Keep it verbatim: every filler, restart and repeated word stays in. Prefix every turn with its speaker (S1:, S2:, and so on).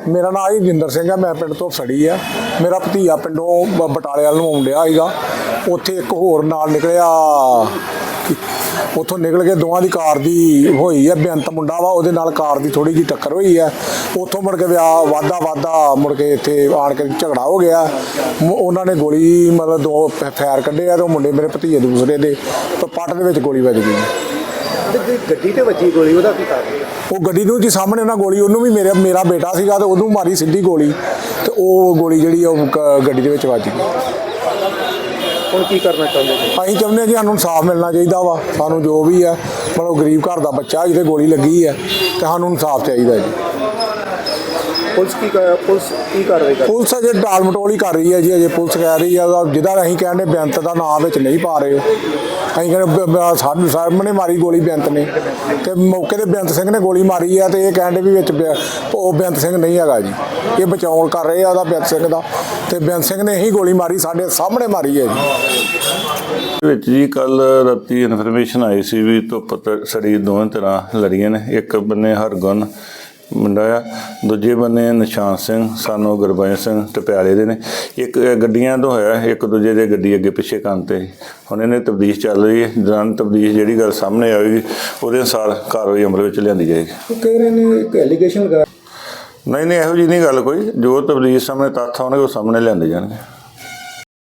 S1: मेरा नाम ही जिंदर सिंह है, मैं पिंड तो सड़ी है। मेरा भतीजा पिंडों बटाले वाल नूं आउण डिया सीगा, उत्थे एक होर नाल निकलिया, उत्थों निकल के दोवां दी कार दी होई है, बेअंत मुंडा वा, उहदे नाल कार दी थोड़ी जी टक्कर हुई है। उत्थों मुड़ के विआह वाधा वाधा मुड़ के इत्थे आण के झगड़ा हो गया। उन्होंने ने गोली मतलब दो फैर कड्ढे आ, ते मुंडे मेरे भतीजे दूसरे दे पट दे विच गोली वज गई।
S2: गड्डी ते वजी गोली, ਉਹਦਾ ਕੀ ਕਾਰਨ?
S1: ਉਹ ਗੱਡੀ ਨੂੰ ਜੀ ਸਾਹਮਣੇ ਉਹਨਾਂ ਗੋਲੀ, ਉਹਨੂੰ ਵੀ ਮੇਰੇ ਮੇਰਾ ਬੇਟਾ ਸੀਗਾ ਤੇ ਉਹਨੂੰ ਮਾਰੀ ਸਿੱਧੀ ਗੋਲੀ, ਤੇ ਉਹ ਗੋਲੀ ਜਿਹੜੀ ਉਹ ਗੱਡੀ ਦੇ ਵਿੱਚ ਵੱਜ ਗਈ।
S2: ਹੁਣ ਕੀ ਕਰਨਾ ਚਾਹੁੰਦੇ ਜੀ?
S1: ਅਸੀਂ ਚਾਹੁੰਦੇ ਹਾਂ ਜੀ ਸਾਨੂੰ ਇਨਸਾਫ ਮਿਲਣਾ ਚਾਹੀਦਾ ਵਾ, ਸਾਨੂੰ ਜੋ ਵੀ ਹੈ ਮਤਲਬ ਗਰੀਬ ਘਰ ਦਾ ਬੱਚਾ ਜਿਹਦੇ ਗੋਲੀ ਲੱਗੀ ਹੈ, ਤੇ ਸਾਨੂੰ ਇਨਸਾਫ ਚਾਹੀਦਾ ਜੀ।
S2: ਪੁਲਿਸ ਕੀ ਪੁਲਿਸ ਕੀ ਕਾਰਵਾਈ ਕਰ
S1: ਪੁਲਿਸ ਅਜੇ ਟਾਲ ਮਟੋਲ ਹੀ ਕਰ ਰਹੀ ਹੈ ਜੀ। ਅਜੇ ਪੁਲਿਸ ਕਹਿ ਰਹੀ ਹੈ ਜਿਹਦਾ ਅਸੀਂ ਕਹਿੰਦੇ ਬੇਅੰਤ ਦਾ ਨਾਮ ਵਿੱਚ ਨਹੀਂ ਪਾ ਰਹੇ, ਅਸੀਂ ਕਹਿੰਦੇ ਸਾਨੂੰ ਸਾਹਮਣੇ ਮਾਰੀ ਗੋਲੀ ਬੇਅੰਤ ਨੇ, ਤੇ ਮੌਕੇ ਤੇ ਬੇਅੰਤ ਸਿੰਘ ਨੇ ਗੋਲੀ ਮਾਰੀ ਹੈ, ਤੇ ਇਹ ਕਹਿੰਦੇ ਵੀ ਵਿੱਚ ਉਹ ਬੇਅੰਤ ਸਿੰਘ ਨਹੀਂ ਹੈਗਾ ਜੀ, ਇਹ ਬਚਾਉਣ ਕਰ ਰਹੇ ਆ ਉਹਦਾ ਬੇਅੰਤ ਸਿੰਘ ਦਾ, ਤੇ ਬੇਅੰਤ ਸਿੰਘ ਨੇ ਹੀ ਗੋਲੀ ਮਾਰੀ, ਸਾਡੇ ਸਾਹਮਣੇ ਮਾਰੀ ਹੈ ਜੀ।
S3: ਵਿੱਚ ਜੀ ਕੱਲ ਰਾਤੀ ਇਨਫੋਰਮੇਸ਼ਨ ਆਈ ਸੀ ਵੀ ਧੁੱਪ ਸੜੀ ਦੋਵੇਂ ਤਰ੍ਹਾਂ ਲੜੀਆਂ ਨੇ। ਇੱਕ ਬੰਨੇ ਹਰਗੁਣ ਮੁੰਡਾ ਆ, ਦੂਜੇ ਬੰਨੇ ਨਿਸ਼ਾਨ ਸਿੰਘ ਸਾਨੂੰ ਗੁਰਬਚਨ ਸਿੰਘ ਟਪਿਆਲੇ ਦੇ ਨੇ। ਇੱਕ ਗੱਡੀਆਂ ਤੋਂ ਹੋਇਆ, ਇੱਕ ਦੂਜੇ ਦੇ ਗੱਡੀ ਅੱਗੇ ਪਿੱਛੇ ਕਰਨ 'ਤੇ ਹੁਣ ਇਹਨੇ ਤਬਦੀਸ਼ ਚੱਲ ਰਹੀ ਹੈ। ਦੌਰਾਨ ਤਬਦੀਸ਼ ਜਿਹੜੀ ਗੱਲ ਸਾਹਮਣੇ ਆਵੇਗੀ ਉਹਦੇ ਅਨੁਸਾਰ ਕਾਰਵਾਈ ਅਮਲ ਵਿੱਚ ਲਿਆਂਦੀ ਜਾਏਗੀ।
S2: ਉਹ ਕਹਿ ਰਹੇ ਨੇ ਇੱਕ ਐਲੀਗੇਸ਼ਨ ਲਗਾ
S3: ਨਹੀਂ ਨਹੀਂ ਇਹੋ ਜਿਹੀ ਨਹੀਂ ਗੱਲ ਕੋਈ, ਜੋ ਤਬਦੀਸ਼ ਸਾਹਮਣੇ ਤੱਥ ਆਉਣਗੇ ਉਹ ਸਾਹਮਣੇ ਲਿਆਂਦੇ ਜਾਣਗੇ।